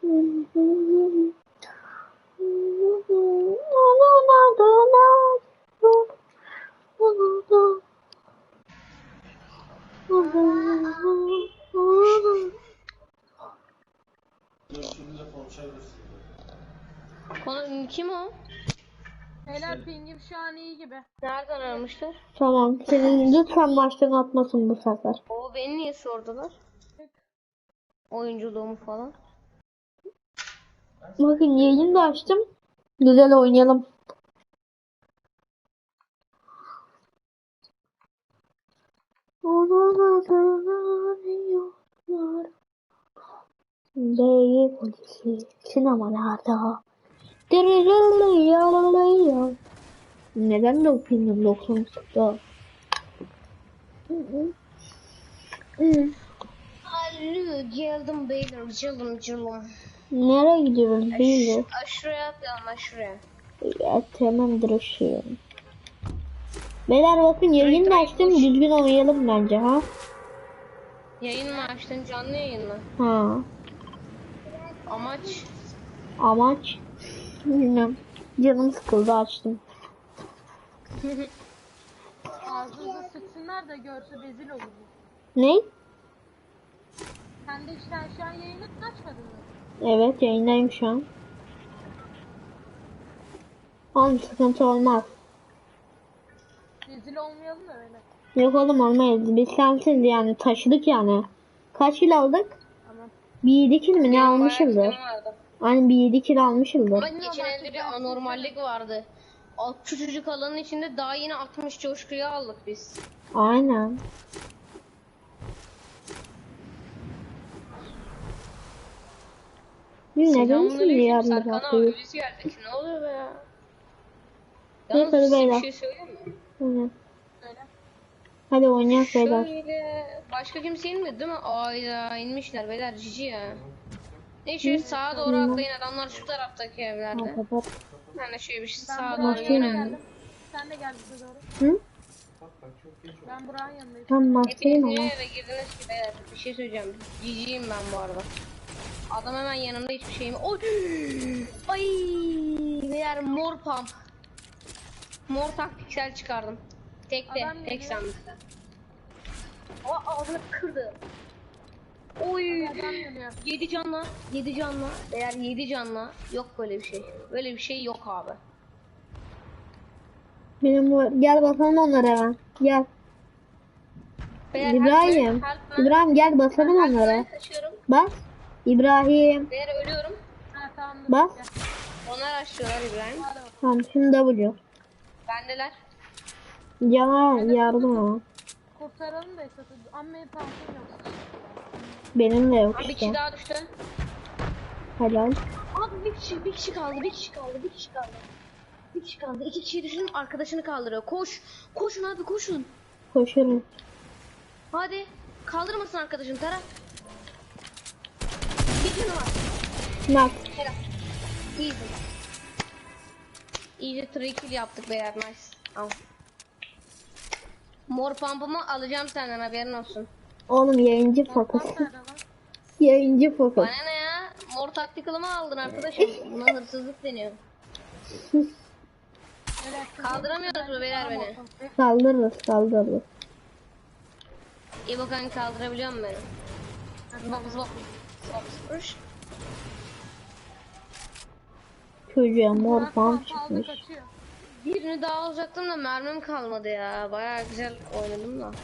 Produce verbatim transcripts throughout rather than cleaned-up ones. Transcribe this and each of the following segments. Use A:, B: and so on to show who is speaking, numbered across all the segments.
A: Konu kim o?
B: Helal pingim şu an iyi gibi.
A: Nereden aramışlar?
C: Tamam. Senin lütfen baştan atmasın bu sefer.
A: O beni niye sordular? Oyunculuğumu falan.
C: Bakın yayını da açtım. Güzel oynayalım. Onun adını arıyorlar. Değil polisi sinemalarda. Dırırırırırırırır. Neden dokuzun doksan çıktı?
A: Alo geldim beyler cılım cılım.
C: Nereye gidiyoruz değil mi?
A: Aşırıya atlayalım aşırıya.
C: Ya tamamdır o şey. Beyler bakın yayını da açtım, düzgün oynayalım bence ha.
A: Yayın mı açtın, canlı yayın mı?
C: Ha.
A: Amaç?
C: Amaç bilmem. Canım sıkıldı açtım.
B: Ağzınıza sıksınlar da görse rezil olur.
C: Ne?
B: Sen de işte şu an yayını açmadın mı?
C: Evet yayındayım şu an. Oğlum sıkıntı olmaz.
B: Rezil olmayalım da öyle.
C: Yok oğlum olmayız. Biz sensiz yani taşıdık yani. Kaç kilo aldık?
B: Tamam.
C: Bir yedi kilo mi ne
A: Bayağı
C: almışızdır?
A: kilim vardı.
C: Hani bir yedi kilo almışızdır.
A: Ama geçen elde bir anormallik vardı. O küçücük alanın içinde daha yine altmış coşkuyu aldık biz.
C: Aynen. Biz neden şimdi
A: Selamünaleyküm
C: yarın
A: Serkan abi
C: bakıyoruz?
A: biz geldik. Ne oluyor be ya?
C: Neyse,
A: Yalnız size
C: beyler.
A: bir şey söyleyeyim mi?
C: Aynen.
B: Söyle.
C: Hadi oynayalım beyler.
A: Şöyle başka kimse inmedi değil mi? Ayda inmişler beyler cici ya. Ne şöyle sağa doğru atlayın adamlar şu taraftaki evlerde.
C: Kapat.
A: Ben de şöyle bir şey
B: Ben
A: sağa
B: Burak'ın
A: doğru
B: yanına
A: yöneldim.
B: geldim. Sen de gel bize doğru.
C: Hı?
B: Ben Burak'ın yanındayım.
C: Tam
A: Hepiniz
C: maskeyim
A: niye
C: ama.
A: eve girdiniz ki beyler? Bir şey söyleyeceğim. Ciciyim ben bu arada. Adam hemen yanımda hiçbir şeyim. Oy! Ay! Beyler mor pump. Mor taktiksel çıkardım. Tek de,
B: Adam
A: tek
B: geliyor.
A: sandıkta. Aa ağzını kırdı. Oy!
B: Adam geliyor.
A: Yedi canla, yedi canla. Eğer yedi canla yok böyle bir şey. Böyle bir şey yok abi.
C: Benim bu gel basalım onlara hemen. Gel.
A: Beyler,
C: İbrahim.
A: help me, help me.
C: İbrahim gel basalım
A: Help me,
C: onlara.
A: kaçıyorum.
C: Bas. İbrahim.
A: Beyler ölüyorum.
B: Ha tamam. dur.
C: Bas.
B: Gel.
A: Onlar açıyorlar İbrahim.
B: Hadi bakalım.
C: Tamam şimdi W.
A: Bendeler.
C: Cana yardım ama.
B: Kurtaralım da işte. Amma pantolon yok.
C: Benim de yok
A: Abi bir
C: işte.
A: kişi daha düştü.
C: Helal.
A: Abi bir kişi, bir kişi kaldı, bir kişi kaldı, bir kişi kaldı. Bir kişi kaldı. İki kişiyi düşünün arkadaşını kaldırıyor. Koş. Koşun abi koşun.
C: Koşurum.
A: Hadi. Kaldırmasın arkadaşını Tara. Bir canı var.
C: Bak.
A: Helal. Easy. Easy three kill yaptık beyler. Nice. Al. Mor pampumu alacağım senden haberin olsun.
C: Oğlum yayıncı fokus.
B: Bak nerede lan?
C: Yayıncı fokus.
A: Bana ne ya? Mor taktikalımı aldın arkadaşım. Buna hırsızlık deniyor.
B: Evet.
A: Kaldıramıyoruz mu beyler beni?
C: Saldırırız saldırırız.
A: İyi bakalım kaldırabiliyor musun beni? Zıbap zıbap. Zıbap zıbap.
C: Çocuğa mor
B: Burak
C: pump
B: pump aldı,
C: çıkmış.
B: kaçıyor.
A: Birini daha alacaktım da mermim kalmadı ya. Bayağı güzel oynadım da.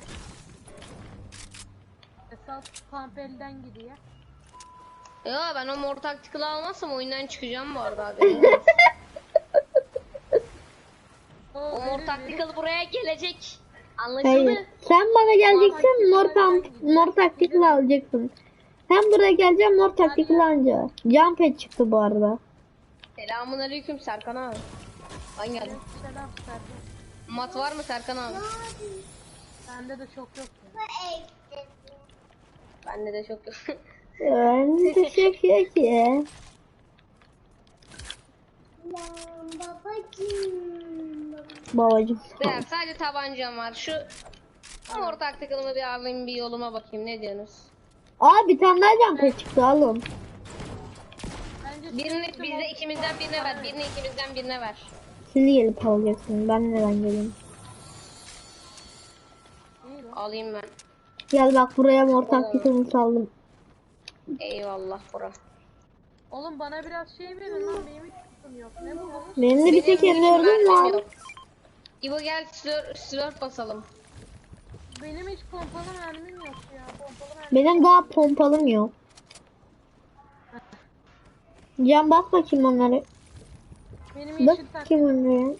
B: Esas pump elden gidiyor.
A: Ya ben o mor taktikalı almazsam oyundan çıkacağım bu arada abi.
B: O
A: O mor
B: ölür
A: taktikalı buraya gelecek. Anlaşıldı.
C: Hayır. Sen bana geleceksin mor pump, mor taktikli alacaksın. Sen buraya geleceksin mor taktikli alacaksın. Jump pad çıktı bu arada.
A: Selamun aleyküm Serkan abi. Ben geldim.
B: verir. Selam Serkan.
A: Mat var mı Serkan abi?
B: Bende de çok yok.
A: Bende de çok yok.
C: Ben teşekkür ki. Babacım.
A: Beyler sadece tabancam var. Şu mor taktikalımı bir alayım bir yoluma bakayım. Ne diyorsunuz?
C: Aa bir tane daha jump pad çıktı alın.
B: önce
A: Birini
B: sürekli
A: bize
B: mor-
A: ikimizden birine ver. Birini ikimizden birine ver.
C: Şimdi gelip alacaksın. Ben neden geleyim?
B: İyi lan.
A: Alayım ben.
C: Gel bak buraya mor taktikini saldım.
A: Eyvallah bura.
B: Oğlum bana biraz şey verin lan, benim hiç kutum yok. Ne buldunuz?
C: Benim de bir tek
A: Benim hiç
C: M dördüm
A: mermim
C: var.
A: yok. İbo gel slur, slurp basalım.
B: Benim hiç pompalı mermim yok ya. Pompalı mermim.
C: Benim daha pompalım yok. Can bas bakayım onları.
B: Benim
C: Bak
B: yeşil tak.
C: bakayım onları.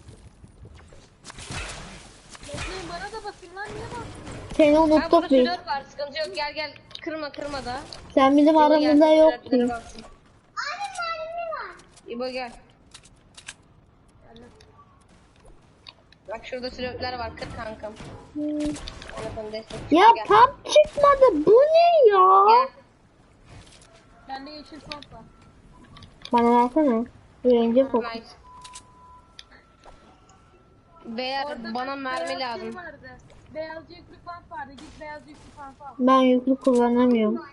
B: Bekleyin, bana da basın lan, niye basın?
C: Seni
A: Ha burada
C: unuttuk biz.
A: slurp var. Sıkıntı yok. Gel gel. Kırma kırma da.
C: Sen bizim
A: İbo gel,
C: aramızda
A: slurpleri
C: yoktun.
A: bassın. İbo gel. Bak şurada slurpler var. Kır kankam.
C: Hmm.
A: Ona sana destek
C: Ya
A: gel.
C: pump çıkmadı. Bu ne ya?
A: Gel.
B: Bende yeşil pomp var.
C: Bana versene. Önce fokus.
A: Nice. Beyler
B: Orada
A: bana
B: bir
A: mermi
B: beyaz şey
A: lazım.
B: vardı. Beyaz yüklü pomp vardı. Git beyaz yüklü pomp al.
C: Ben yüklü kullanamıyorum.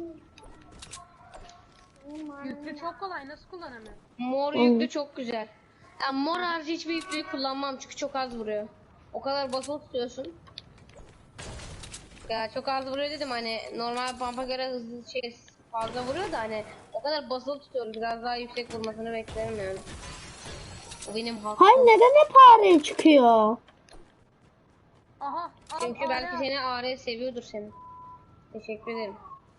B: Yüklü çok kolay, nasıl kullanamıyorum?
A: Mor yüklü çok güzel. Ya mor harici hiçbir yüklüyü kullanmam çünkü çok az vuruyor. O kadar basılı tutuyorsun. Ya çok az vuruyor dedim, hani normal pampa göre hızlı şey fazla vuruyor da hani o kadar basılı tutuyorum, biraz daha yüksek vurmasını beklerim yani. O benim hakkım.
C: Hayır neden hep ağrıya çıkıyor?
B: Aha. Al,
A: Çünkü
B: al,
A: belki
B: al.
A: seni Are seviyordur seni. Teşekkür ederim.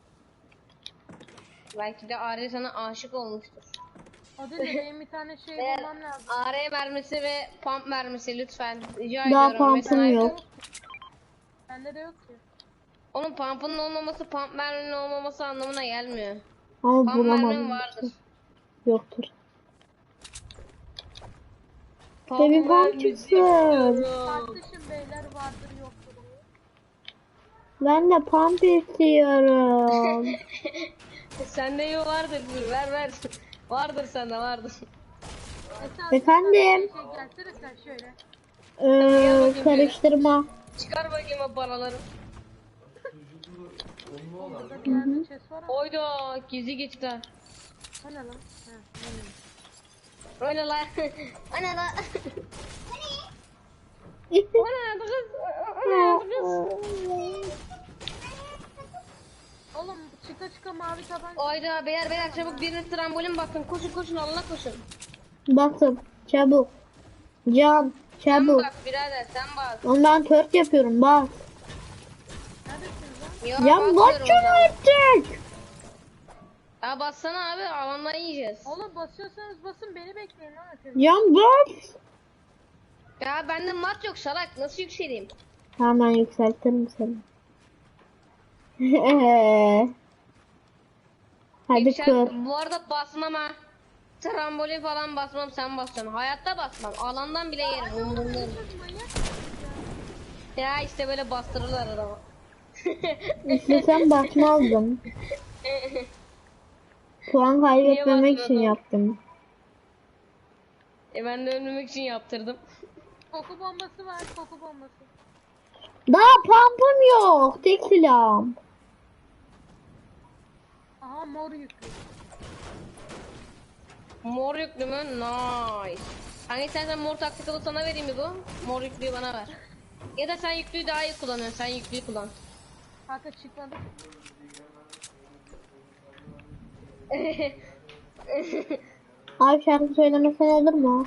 A: Belki de Are sana aşık olmuştur.
B: O değil de benim bir tane şey
A: Eğer
B: bulmam lazım.
A: Are mermisi ve pump mermisi lütfen rica
C: Daha
A: ediyorum.
C: pump'ım
A: Mesela-
C: yok.
B: Bende de yok ki.
A: Onun pump'ının olmaması pump merminin olmaması anlamına gelmiyor.
C: Ama
A: Pump mermin
C: bulamadım.
A: vardır.
C: Yoktur.
A: Pump
C: Tabii pump
A: mermisi
C: çıksın.
A: istiyorum.
B: Tartışın beyler, vardır yoktur.
C: Ben de pump istiyorum.
A: Sende iyi vardır, ver ver. Vardır sende, vardır.
B: Esas
C: Efendim?
B: Şey gelsene sen şöyle.
C: Ee, karıştırma.
A: Çıkar bakayım o paraları.
B: Burada bir yerde chest var ama.
A: Oyda gizli geçti.
B: O ne lan? Ha, benim.
A: Öyle la. Ana la. Ana kız. Ana kız.
B: Oğlum çıka çıka mavi tabanca.
A: Oyda beyler beyler çabuk birine trambolin bakın. Koşun koşun Allah'a koşun.
C: Basın. Çabuk. Can.
A: Sen
C: Çabuk.
A: bak birader sen bak.
C: Oğlum ben tört yapıyorum. Bas.
B: Neredesiniz lan?
A: Ya,
C: Can
A: basıyorum
C: bas şunu
A: ben.
C: artık.
A: Ya bassana abi, alandan yiyeceğiz.
B: Oğlum basıyorsanız basın, beni bekleyin lan ötürü.
C: Can bas.
A: Ya bende mat yok salak, nasıl yükseleyim?
C: Hemen yükseltirim seni. Hadi
A: Yüksel-
C: kır.
A: Bu arada basmam ha. Trambolin falan basmam, sen basacaksın. Hayatta basmam. Alandan bile yerim. Umurumda değil.
B: Manyak.
A: Ya işte böyle bastırırlar adamı.
C: İşte sen basmazdın. Puan kaybetmemek için
A: basmadın?
C: yaptım.
A: E ben de ölmemek için yaptırdım.
B: Koku bombası var, koku bombası.
C: Daha pump'ım yok. Tek silahım.
B: Aha mor yüklü.
A: Mor yüklü mü? Nice. Hani istersen mor taktikalı sana vereyim mi bu? Mor yüklüyü bana ver. Ya da sen yüklüyü daha iyi kullanıyorsun. Sen yüklüyü kullan.
B: Kanka çıkmadı.
C: Abi şarkı söylemesen olur mu?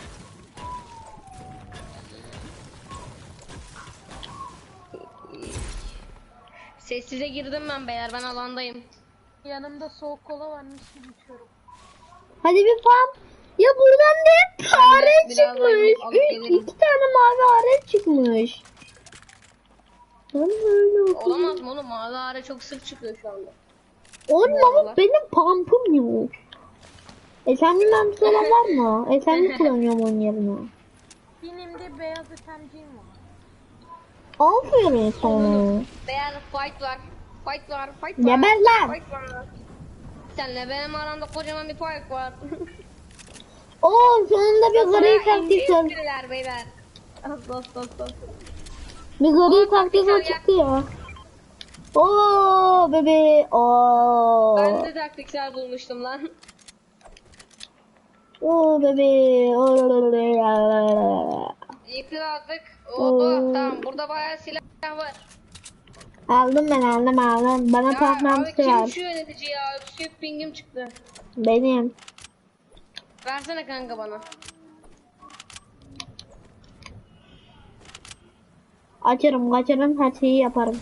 A: Sessize girdim ben beyler. Ben alandayım.
B: Yanımda soğuk kola varmış gibi içiyorum.
C: Hadi bir pump. Ya buradan da hep fare
A: biraz
C: çıkmış.
A: alıp
C: Üç,
A: gelirim.
C: iki tane mavi fare çıkmış. Ben böyle okudum.
A: Olamaz mı oğlum? Mavi ara çok sık çıkıyor şu anda.
C: Oğlum
A: Bu
C: ama
A: aralar.
C: benim pump'ım yok. E sen bilmem bir şeyler var mı? E sen mi kullanıyorum onun yerine?
B: Benim de beyaz etemciğim var.
C: Aferin sana.
A: Beyler fight var. Fight var. Fight var.
C: Geber lan.
A: Fight var. Senle benim aramda kocaman bir fark var.
C: Oo sonunda bir gri taktik var.
A: Biriler beyler. Dost dost dost dost.
C: Bir gri taktik var çıktı ya. Oo bebe. Oo.
A: Ben de taktiksel bulmuştum lan.
C: Oo bebeğim.
A: Yıkıl artık. Oha tamam burada bayağı silah var.
C: Aldım ben aldım aldım. Bana
A: Ya
C: patlaması
A: abi kim
C: ver.
A: şu yönetici ya? Öksüp pingim çıktı.
C: Benim.
A: Versene kanka bana.
C: Açarım kaçarım her şeyi yaparım.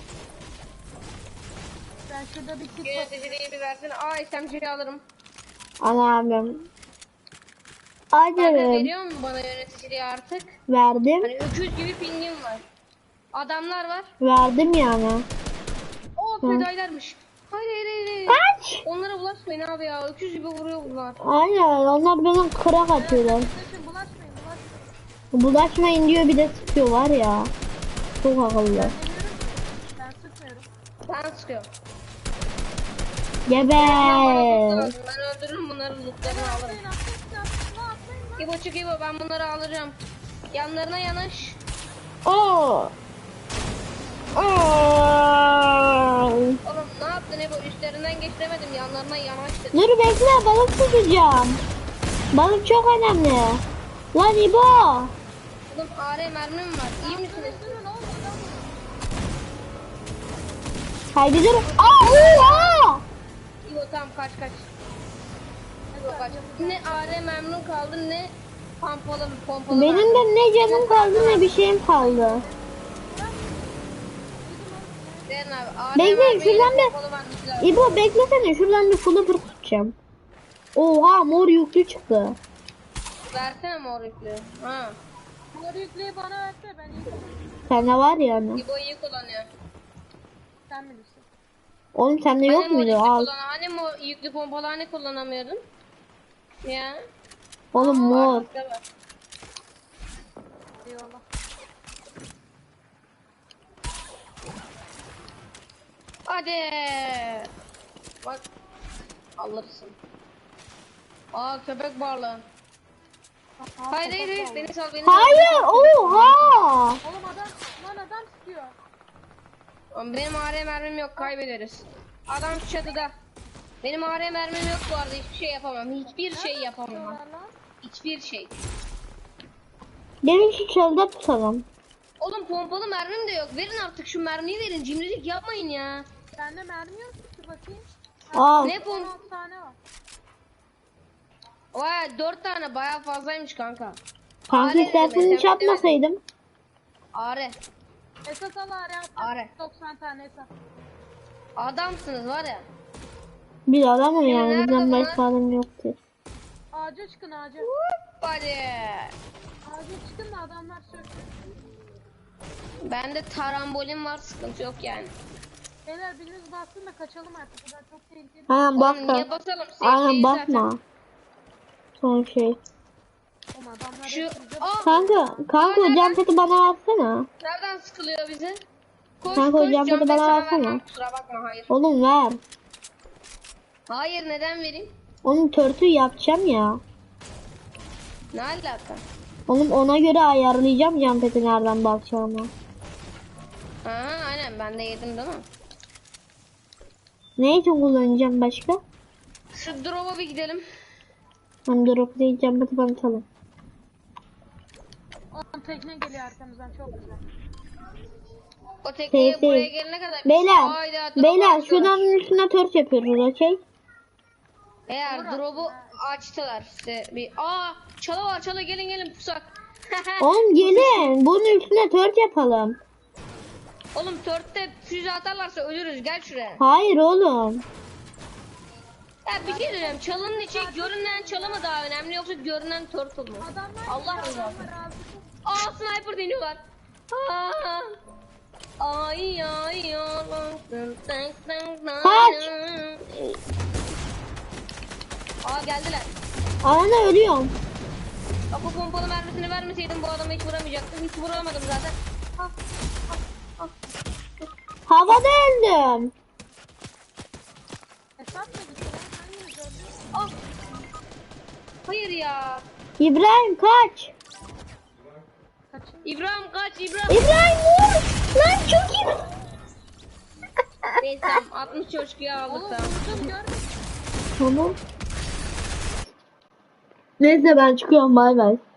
B: Ben şurada bir kit
A: Yöneticiliği bir versene. Aa S M G'yi alırım.
C: Al abim.
A: Kanka
C: Açarım.
A: veriyor mu bana yöneticiliği artık?
C: Verdim.
A: Hani öküz gibi pingim var. Adamlar var.
C: Verdim yani.
A: O fedailermiş. Hayır hayır hayır. hayır.
C: Kaç.
A: Onlara bulaşmayın abi ya. Öküz gibi vuruyor bunlar.
C: Aynen onlar benim kırak atıyorlar.
B: Arkadaşım bulaşmayın bulaşmayın.
C: Bulaşmayın diyor bir de sıkıyor var ya. Çok akıllı.
B: Demiyorum. Ben sıkmıyorum.
A: Ben sıkıyorum.
C: Geber.
A: Ben öldürürüm bunların lootlarını alırım.
B: Atlayın atlayın atlayın atlayın.
A: İbo çık İbo ben bunları alacağım. Yanlarına yanaş.
C: Oo. Oo.
A: Oğlum ne yaptın İbo? Üstlerinden geçiremedim. Yanlarına yanaş dedim.
C: Dur bekle balık tutacağım. Balık çok önemli. Lan İbo.
A: Oğlum A R mermim var. İyi misiniz?
B: Durun oğlum adam.
C: Haydi dur. Aa, oha.
A: İbo tamam kaç kaç. İbo kaç. Ne A R mermim kaldı ne pompalı pompalı
C: Benim
A: mermim.
C: de ne canım kaldı ne bir şeyim kaldı.
A: Verin abi. A R
C: Bekleyin,
A: mermiyle
C: şuradan bir-
A: pompalı mermisi lazım.
C: İbo beklesene şuradan bir flipper tutacağım. Oha mor yüklü çıktı.
A: Versene mor yüklü. Ha.
B: Bunları yükleyi bana verse ben iyi kullanırım.
C: Sende var yani.
A: İbo iyi kullanıyor.
B: Sen bilirsin.
C: Oğlum sende yok
A: Hani mor
C: muydu?
A: yüklü
C: Al.
A: kullan- Hani mor yüklü pompalı hani kullanamıyordun? Ya.
C: Oğlum mor.
A: Artık da var.
B: Eyvallah.
A: Hadi. Bak. Alırsın. Aa köpek balığı. Hayır hayır hayır beni sal beni sal.
C: Hayır oha.
B: Oğlum adam lan adam sıkıyor.
A: Oğlum, benim A R mermim yok kaybederiz. Adam şu çatıda. Benim A R mermim yok bu arada hiçbir şey yapamam. Hiçbir şey yapamam.
B: Sıkıyorlar lan.
A: Hiçbir şey.
C: Gelin şu çölde tutalım.
A: Oğlum pompalı mermim de yok. Verin artık şu mermiyi verin. Cimrilik yapmayın ya.
B: Bende mermi yok ki bakayım.
C: Al.
A: Ne pom?
B: on altı tane var.
A: Vay dört tane bayağı fazlaymış kanka.
C: Kanka
A: Are
C: istersen
A: dedim,
C: hiç atmasaydım.
A: A R.
B: Esas al araya attım.
A: Are.
B: doksan tane esas.
A: Adamsınız var ya.
C: Bir adamım
A: Ya
C: yani
A: nerede
C: bizden
A: bunlar?
C: başka adam yoktur.
B: Ağaca çıkın ağaca.
A: Hadi.
B: Ağaca çıkın da adamlar söksün.
A: Bende tarambolim var sıkıntı yok yani.
B: Beyler biriniz bassın da kaçalım artık. Bu da çok tehlikeli.
C: Aynen
A: Oğlum
C: bakma.
A: niye basalım?
C: Aynen
A: Safe'deyiz
C: bakma.
A: zaten.
C: Son şey.
B: Oğlum adamlar
A: Şu
B: hep bize
A: Aa,
C: Kanka, kanka o cam peti bana versene.
A: nereden sıkılıyor bizi? Koş
C: Kanka,
A: koş
C: hocam,
A: cam
C: hadi bana
A: sana
C: versene.
A: vermem, kusura bakma hayır.
C: Oğlum ver.
A: Hayır neden vereyim?
C: Onun törtü yapacağım ya.
A: Ne alaka?
C: Oğlum ona göre ayarlayacağım cam peti nereden bakacağımı.
A: Aha aynen ben de yedim değil mi?
C: Ne için kullanacağım başka?
A: Şu drop'a bir gidelim.
C: Hem drop değil cam peti bana atalım.
B: Oğlum tekne geliyor arkamızdan çok güzel.
A: O tekneye
C: Şey,
A: buraya
C: şey.
A: gelene kadar.
C: Beyler,
A: Hayda, drop
C: beyler
A: açtılar.
C: şuradan üstüne tört yapıyoruz okey?
A: Eğer drop'u açtılar işte bir. Aa çalı var çalı gelin gelin pusak.
C: Oğlum gelin bunun üstüne tört yapalım.
A: Oğlum törtte füze atarlarsa ölürüz gel şuraya.
C: Hayır oğlum.
A: Ya bir şey diyeceğim çalının içi görünen çalı mı daha önemli yoksa görünen turtle mu?
B: Adamlar
A: Allah
B: geliyor,
A: razı olsun.
B: adamlar ağzı.
A: Aa sniper deniyorlar. Aa. Ay ay ay.
C: Kaç.
A: Aa geldiler.
C: Ana ölüyorum.
A: Bak o pompalı mermisini vermeseydim bu adamı hiç vuramayacaktım. Hiç vuramadım zaten. Ah, ah, ah.
C: Havada öldüm.
B: Esat mı gitti lan? Hanginiz öldü?
A: Ah. Hayır ya.
C: İbrahim kaç.
B: Kaçın.
A: İbrahim kaç İbrahim.
C: İbrahim vur. Lan çok iyi.
A: Neyse tamam altmış coşkuyu aldık
B: Oğlum
A: tamam.
B: vurdum görmedim.
C: Tamam. Neyse ben çıkıyorum bay bay.